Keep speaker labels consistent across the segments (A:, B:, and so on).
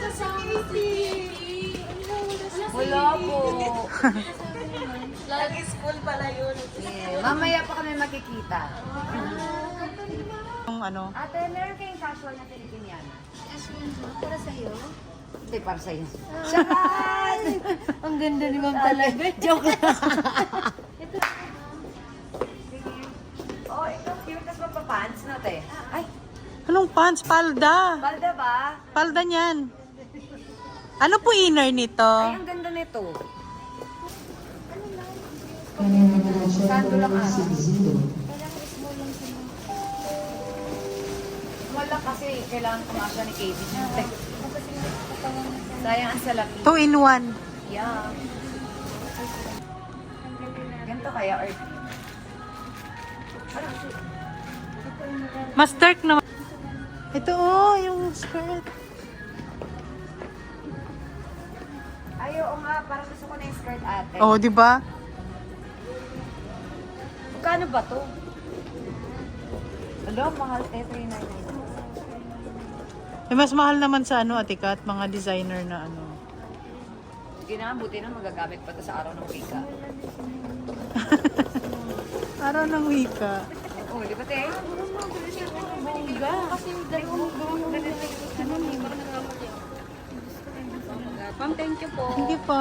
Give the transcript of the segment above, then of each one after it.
A: Wala po. Lagi school pala yun. Yeah. Mamaya pa kami makikita.
B: Yung ano?
A: Ate, meron kayong casual na Filipiniana?
C: Casual ba? Para sa'yo?
A: Hindi, para sa'yo.
C: Charan! Ang ganda ni Ma'am talaga. Joke lang.
A: Oh, ito cute. Tapos magpa-pants na, te. Ay,
B: Anong pants? Palda.
A: balda ba?
B: Palda niyan. Ano po inner nito?
A: Ay, ang ganda nito. Sando lang ata. Wala kasi kailangan kumasya ni Katie. Sayang ang salapi.
B: 2 in 1.
A: Yeah. Ganito kaya or
B: Mas dark naman. Ito oh, yung skirt.
A: ay, oo nga, parang gusto ko na yung skirt ate.
B: Oh, di ba?
A: Magkano ba to? Hello, mahal. 399.
B: Eh, mas mahal naman sa ano, Ate Kat, mga designer na ano.
A: Sige na, buti na magagamit pa to sa araw ng wika.
B: Araw ng wika.
A: Oo, di ba, te?
C: Kasi dalawang Ma'am, thank you po.
B: Hindi pa.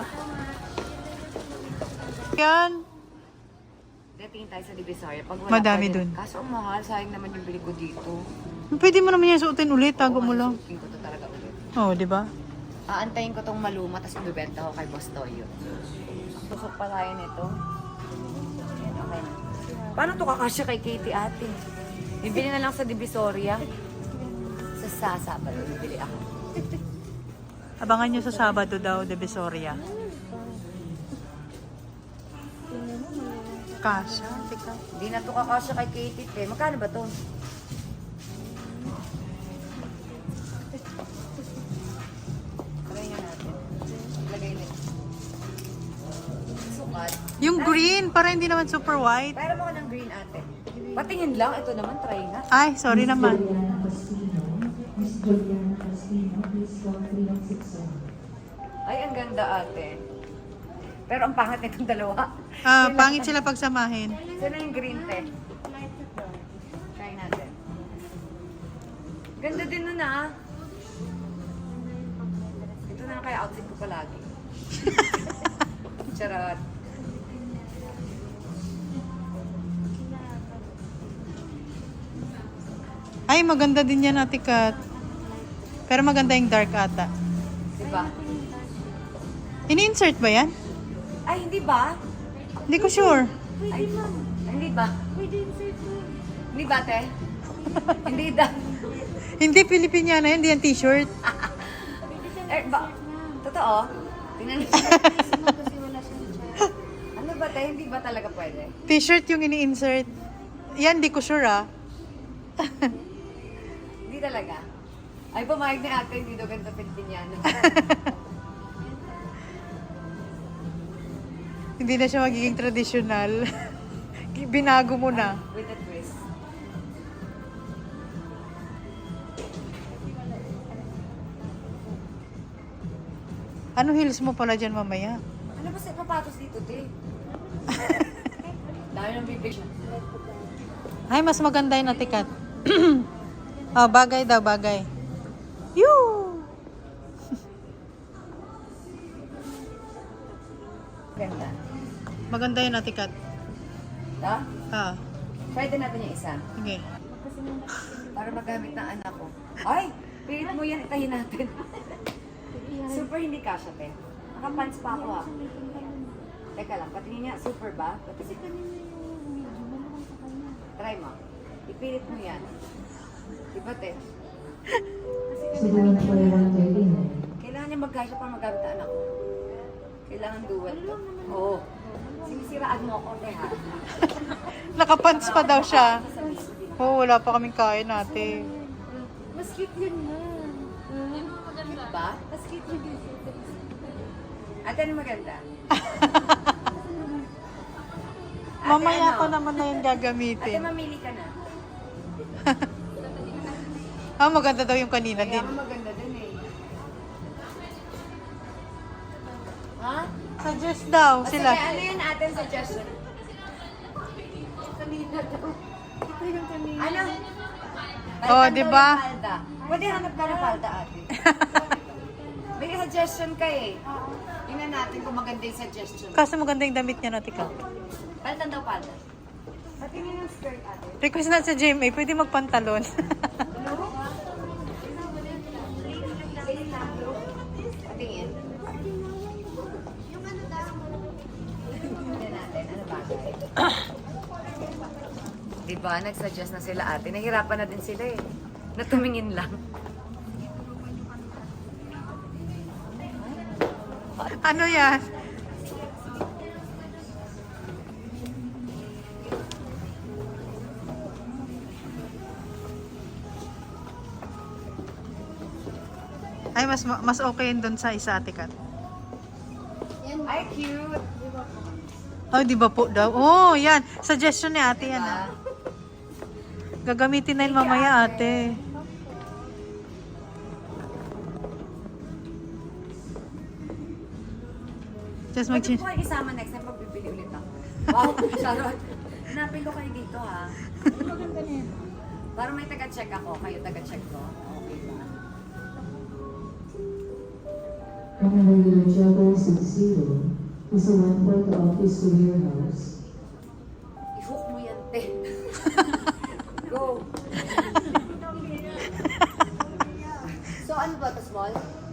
B: Yan.
A: Dating tayo sa Divisoria. Pag wala
B: Madami
A: pwede-
B: dun.
A: Kaso ang mahal, sayang naman yung bili ko dito.
B: Pwede mo naman yan suotin ulit. Tago mo lang.
A: Susuotin ko to talaga ulit.
B: Oh, di ba?
A: Aantayin ko tong maluma, tapos ibibenta ko kay Boss Toyo. Tusok pa tayo nito. Ayan, okay na. Paano to kakasya kay Katie ate? Bibili na lang sa Divisoria. Sa Sabado, bibili ako.
B: Abangan nyo sa Sabado daw, de Besoria. Kasha, Ate Kat.
A: Hindi na to kakasya kay Katie, te. Magkano ba to? Try nga natin. Ilagay na. Sukat.
B: Yung green, para hindi naman super white.
A: Pero mo ka ng green ate. Patingin lang. Ito naman, try nga.
B: Ay, sorry naman.
A: Ay, ang ganda ate. Pero ang pangit nitong dalawa.
B: Ah, pangit sila pagsamahin.
A: Sino yung green te? Try natin. Ganda din nun ah. Ito na lang kaya outfit ko palagi. Charot.
B: Ay, maganda din yan, Ate Kat. Pero maganda yung dark ata.
A: Diba?
B: Ini-insert ba yan?
A: Ay, hindi ba?
B: Hindi ko sure.
A: Ay, hindi ba? Hindi ba, te? Hindi da.
B: Hindi Filipiniana yan, hindi yan t-shirt.
A: Eh, ba? Totoo? Tingnan mo. Ano ba, te? Hindi ba talaga pwede?
B: T-shirt yung ini-insert. Yan, di ko sure ah.
A: Hindi talaga. Ay, pumayag ni ate, hindi daw ganito Pilipiniano.
B: Hindi na siya magiging traditional. Binago mo na.
A: With a twist.
B: Ano heels mo pala dyan mamaya?
A: Ano ba sa papatos dito, te? Dami ng bibig.
B: Ay, mas maganda yung Ate Kat. Oh, bagay daw, bagay. Yoo!
A: Ganda.
B: Maganda yung Ate Kat.
A: Ha?
B: Ah,
A: Try din natin yung isa.
B: sige.
A: Para magamit ng anak ko. Ay! Pilit mo yan, itahin natin. Super hindi kasha, te. Nakapants pa ako, ah. Teka lang, patingin niya, super ba? Try mo. Ipilit mo yan. Diba, te? Kailangan niya magkasya para magamit ang anak ko. Kailangan dual to. Oo. Sinisiraan mo ako, te, ha?
B: Nakapants pa daw siya. Oh, wala pa kaming kain ate.
C: Mas cute yun na.
A: Cute ba?
C: Mas cute yun.
A: Ate, ano maganda?
B: Mamaya
A: ano?
B: ko naman na yung
A: Ate,
B: gagamitin.
A: mamili ka na.
B: Ah, maganda daw yung kanina
A: Kaya
B: din.
A: nga maganda din eh.
B: Suggest daw
A: O,
B: sila.
A: Sige, ano yun atin suggestion?
C: Kanina daw. Ito yung kanina.
A: Ano?
B: Oh,
A: Balikan
B: di
A: daw
B: ba?
A: yung palda. Pwede hanap ka ng palda ate. May suggestion ka eh. Tingnan natin kung maganda yung suggestion.
B: Kaso maganda yung damit niya, Ate Kat.
A: Palitan daw palda. Patingin yung skirt ate.
B: Request na sa GMA, pwede magpantalon.
A: Patingin. Tingnan natin, ano bagay? Diba, nag-suggest na sila ate. Nahirapan na din sila eh. Natumingin lang.
B: Ano yan? Ay, mas okay yun doon sa isa, Ate Kat.
A: Ay, cute!
B: Oh, di ba po daw? Oh, yan. Suggestion ni ate yan. Ah. Gagamitin na yun mamaya, ate. Just
A: Pwede
B: mag-change.
A: ko kayo isama next time pag bibili ulit ako. Wow, Charot. Hanapin ko kayo dito ha.
C: Maganda na yan.
A: Para may taga-check ako, kayo taga-check ko. Okay ba?
D: And when your juggle succeeded, is a went like the office to warehouse.
A: I-hook mo yan, te. Go. So, ano ba ito, small?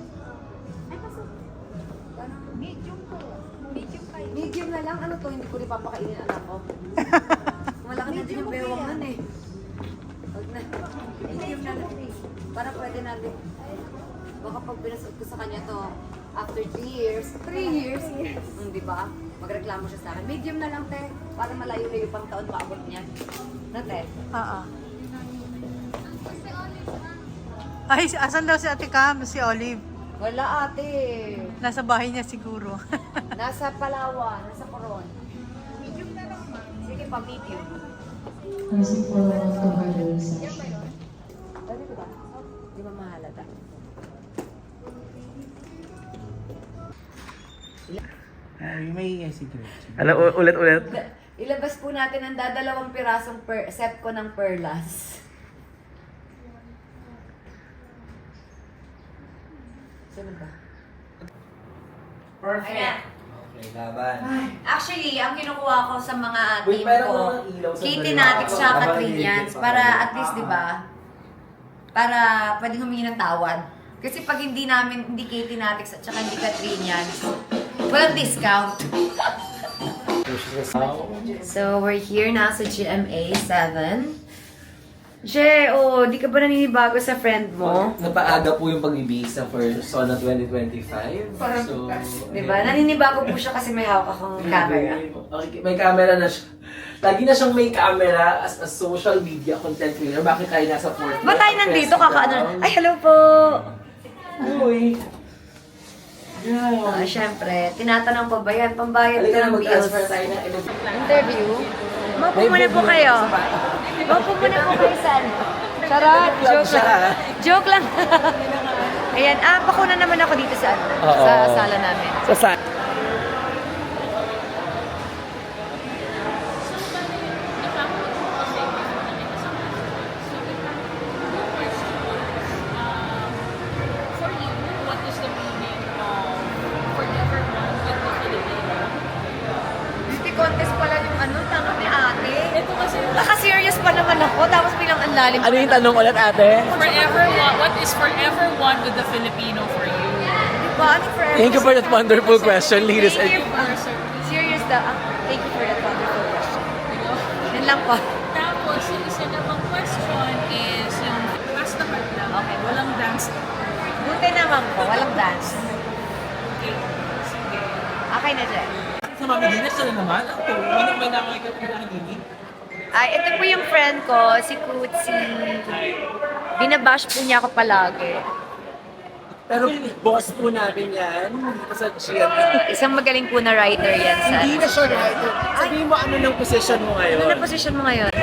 C: Medium ko. Medium kayo.
A: Medium na lang. Ano to? Hindi ko rin papakainin anak ko. Malaki na din yung bewang nun eh. Huwag na. Medium na lang. Para pwede natin. Baka pag binasot ko sa kanya to, after 3 years, 3 years, di ba? Magreklamo siya sa akin. Medium na lang, te. Para malayo-layo pang taon maabot niya. Na, te?
B: Oo. Ay, asan daw si Ate Cam? Si Olive.
A: Wala, ate.
B: Nasa bahay niya siguro.
A: Nasa Palawan, nasa Coron. Sige pa, medium.
D: As it fell off the harder session.
A: Pwede ko ba? Di ba mahalata?
E: Ay, may secret.
F: Ano, ulit-ulit?
A: Ilabas po natin ang dadalawang pirasong set ko ng perlas. Sino ba? Ayan.
E: Okay, laban.
A: Actually, ang kinukuha ko sa mga
E: Wait,
A: team
E: meron
A: ko,
E: mga ilaw sa
A: Katie
E: baliwan.
A: Natix tsaka
E: Habang
A: Katrinians,
E: nililipit pa
A: para
E: kayo.
A: at least, di ba? Para pwedeng humingi ng tawad. Kasi pag hindi namin, hindi Katie Natix at tsaka hindi Katrinians, walang discount. So, we're here na sa GMA 7. Je, di ka ba naninibago sa friend mo?
E: Napaaga po yung pag-ibisa for SONA 2025. So,
A: Di ba? Naninibago po siya kasi may hawak akong camera.
E: Okay, may camera na siya. Lagi na siyang may camera as a social media content creator. Bakit tayo nasa 4th?
A: Ba't tayo nandito? Kakaano? Ay, hello po!
E: Uy! Yeah.
A: Siyempre, tinatanong pa ba yan? Pambayad
E: Halika
A: ka
E: na
A: ng bills.
E: mag-transfer tayo na
A: Interview? Maupo muna po kayo. Maupo muna po kayo saan? Charot! Joke lang. Joke lang. Ayan, bakuna naman ako dito sa, sa sala namin.
F: Sa sa...
G: For you, what is the meaning of forever one with the Filipino?
A: Beauty contest pala yung tanong ni ate.
G: Ito kasi
A: Naka-serious pa naman ako, tapos bilang ang lalim.
F: Ano yung tanong ulit, ate?
G: forever one. What is forever one with the Filipino for you?
A: Diba? Ano forever?
F: Thank you for that wonderful question, ladies
A: Thank
F: and...
A: you. Serious daw. Thank you for that wonderful question. Yan lang po.
G: Tapos, yung isa namang question is yung pass the heart lang. Okay, walang dance.
A: Buti naman po, walang dance.
G: Okay, sige.
A: Okay na dyan.
E: Sa Mami Dinas, na naman. Ako, may nakakita ko na hindi.
A: Ay, ito po yung friend ko, si Kutsi. Binabash po niya ako palagi.
E: Pero boss po namin yan. Dito sa GMA.
A: Isang magaling po na writer yan sa...
E: Hindi na siya writer. Sabihin mo ano ng position mo ngayon.
A: Ano na position mo ngayon?